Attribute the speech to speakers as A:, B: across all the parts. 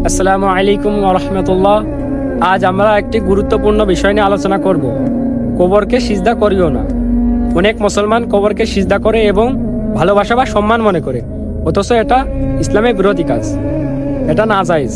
A: আসসালামু আলাইকুম ওয়া রাহমাতুল্লাহ। আজ আমরা একটি গুরুত্বপূর্ণ বিষয় নিয়ে আলোচনা করব। কবরকে সিজদা করিও না। অনেক মুসলমান কবরকে সিজদা করে এবং ভালোবাসা বা সম্মান মনে করে, অথচ এটা ইসলামের বিরোধী কাজ, এটা নাজায়েজ।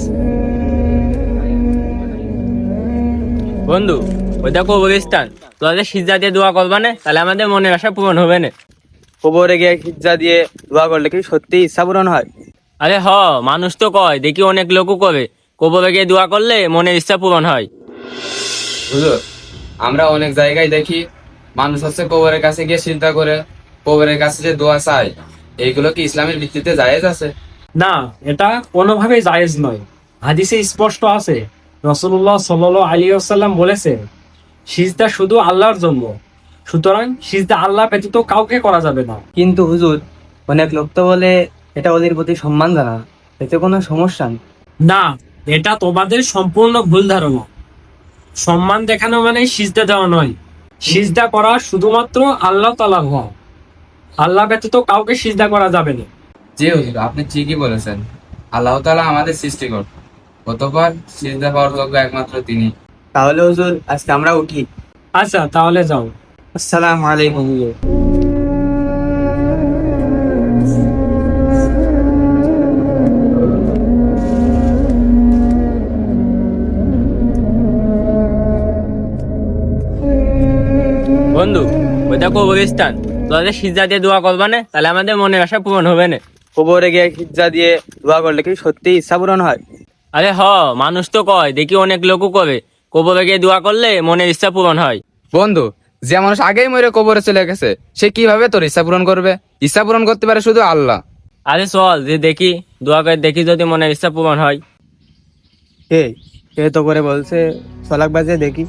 B: বন্ধু, ওইটা কবরস্থান, তোদের সিজদা দিয়ে দোয়া করবা না, তাহলে আমাদের মনের আশা পূরণ হবে না।
C: কবরে গিয়ে খিজ্জা দিয়ে দোয়া করলে কি সত্যি ইচ্ছা পূরণ হয়?
B: আরে মানুষ তো কয়, দেখি অনেক লোকও করে কবরে গিয়ে দোয়া করলে মনের ইচ্ছা পূরণ হয়।
D: হুজুর, আমরা অনেক জায়গায় দেখি মানুষ হচ্ছে কবরের কাছে গিয়ে চিন্তা করে কবরের কাছে যে দোয়া চায়, এইগুলো কি ইসলামের ভিত্তিতে জায়েজ আছে?
A: না, এটা কোনোভাবেই জায়েজ নয়। হাদিসে স্পষ্ট আছে, রাসূলুল্লাহ সাল্লাল্লাহু আলাইহি ওয়াসাল্লাম বলেছেন, সিজদা শুধু আল্লাহর জন্য, সুতরাং সিজদা আল্লাহ ব্যতীত কাউকে করা যাবে না।
C: কিন্তু হুজুর, অনেক লোক তো বলে এটা ওদের প্রতি সম্মান জানা, এতে কোনো সমস্যা নেই।
A: না, এটা তোমাদের সম্পূর্ণ ভুল ধারণা। সম্মান দেখানো মানে সিজদা দেওয়া নয়। সিজদা করা শুধুমাত্র আল্লাহ তাআলার হক, আল্লাহ ব্যতীত কাউকে সিজদা করা যাবে না।
D: জি হুজুর, আপনি ঠিকই বলেছেন। আল্লাহ তাআলা আমাদের সৃষ্টিকর্তা, অতঃপর সিজদা পাওয়ার যোগ্য একমাত্র তিনি।
C: তাহলে হুজুর, আজকে আমরা উঠি।
A: আচ্ছা, তাহলে যাও।
C: আসসালামু আলাইকুম হুজুর।
B: বন্ধু, ওইটা কবরস্থান, তোদের সিজদা দিয়ে দোয়া করবা না, তাহলে আমাদের মনের আশা পূরণ হবে না।
C: কবরে গিয়ে খিজ্জা দিয়ে দোয়া করলে কি সত্যি ইচ্ছা পূরণ হয়?
B: আরে মানুষ তো কয়, দেখি অনেক লোকও করে কবরে গিয়ে দোয়া করলে মনের ইচ্ছা পূরণ হয়।
D: বন্ধু, যে মানুষ আগেই মরে কবরে চলে গেছে, সে কিভাবে তোর ইচ্ছা পূরণ করবে? ইচ্ছা পূরণ করতে পারে শুধু আল্লাহ।
B: আরে চল যে দেখি, দোয়া করে দেখি যদি মনের ইচ্ছা পূরণ হয়।
C: এই এ তো করে বলছে, সলাক বাজে দেখি।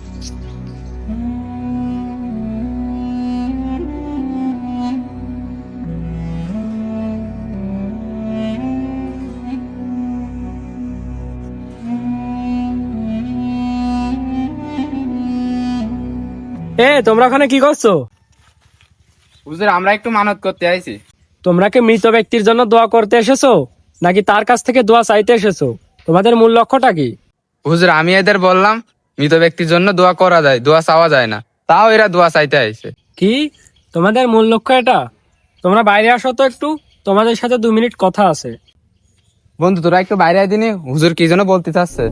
A: তোমরা ওখানে কি করছো?
D: হুজুর, আমরা একটু মানত করতে আইছি।
A: তোমরা কি মৃত ব্যক্তির জন্য দোয়া করতে এসেছো, নাকি তার কাছ থেকে দোয়া চাইতে এসেছো? তোমাদের মূল লক্ষ্যটা কি?
D: হুজুর, আমি এদের বললাম মৃত ব্যক্তির জন্য দোয়া করা যায়, দোয়া চাওয়া যায় না, তাও এরা দোয়া চাইতে আইছে।
A: কি তোমাদের মূল লক্ষ্য এটা? তোমরা বাইরে আসো তো একটু, তোমাদের সাথে 2 মিনিট কথা আছে।
D: বন্ধু, তোরা একটু বাইরে আয় দিনি, হুজুর কি যেন বলতে চাচ্ছে।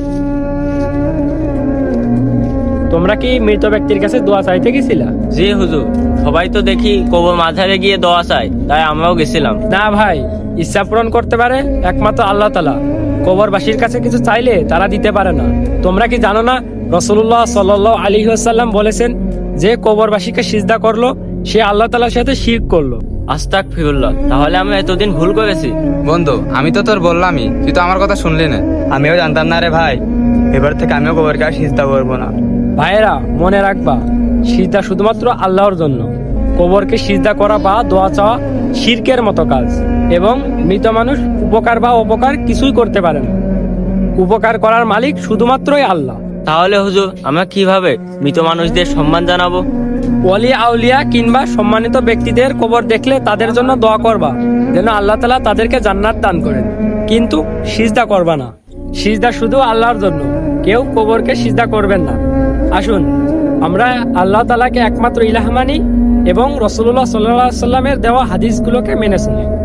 A: তোমরা কি মৃত ব্যক্তির কাছে দোয়া চাইতে গেছিলা?
B: জি হুজুর, সবাই তো দেখি কবর মাঝারে গিয়ে দোয়া চায়, তাই আমরাও গেছিলাম।
A: না ভাই, ইচ্ছা পূরণ করতে পারে একমাত্র আল্লাহ তাআলা। কবরবাসীর কাছে কিছু চাইলে তারা দিতে পারে না। তোমরা কি জানো না, রাসূলুল্লাহ সাল্লাল্লাহু আলাইহি ওয়াসাল্লাম বলেছেন, যে কবরবাসীকে সিজদা করলো সে আল্লাহ তাআলার সাথে শিরক করলো।
B: আস্তাগফিরুল্লাহ, তাহলে আমরা এতদিন ভুল করেছি।
D: বন্ধু, আমি তো তোর বললামই, তুই তো আমার কথা শুনলি না।
C: আমিও জানতাম না রে ভাই, এবার থেকে আমিও কবর কাছে চিন্তা করবো না।
A: ভাইয়েরা, মনে রাখবা, সিজদা শুধুমাত্র আল্লাহর জন্য। কবরকে সিজদা করা বা দোয়া চাওয়া শিরকের মতো কাজ, এবং মৃত মানুষ উপকার বা অপকার কিছুই করতে পারে না। উপকার করার মালিক শুধুমাত্রই আল্লাহ।
B: তাহলে হুজুর, আমরা কিভাবে মৃত মানুষদের সম্মান জানাবো?
A: ওলি আউলিয়া কিংবা সম্মানিত ব্যক্তিদের কবর দেখলে তাদের জন্য দোয়া করবা, যেন আল্লাহ তাআলা তাদেরকে জান্নাত দান করেন। কিন্তু সিজদা করবা না। সিজদা শুধু আল্লাহর জন্য, কেউ কবরকে সিজদা করবেন না। আসুন, আমরা আল্লাহ তাআলাকে একমাত্র ইলাহ মানি এবং রাসূলুল্লাহ সাল্লাল্লাহু আলাইহি ওয়াসাল্লামের দেওয়া হাদিসগুলোকে মেনে চলি।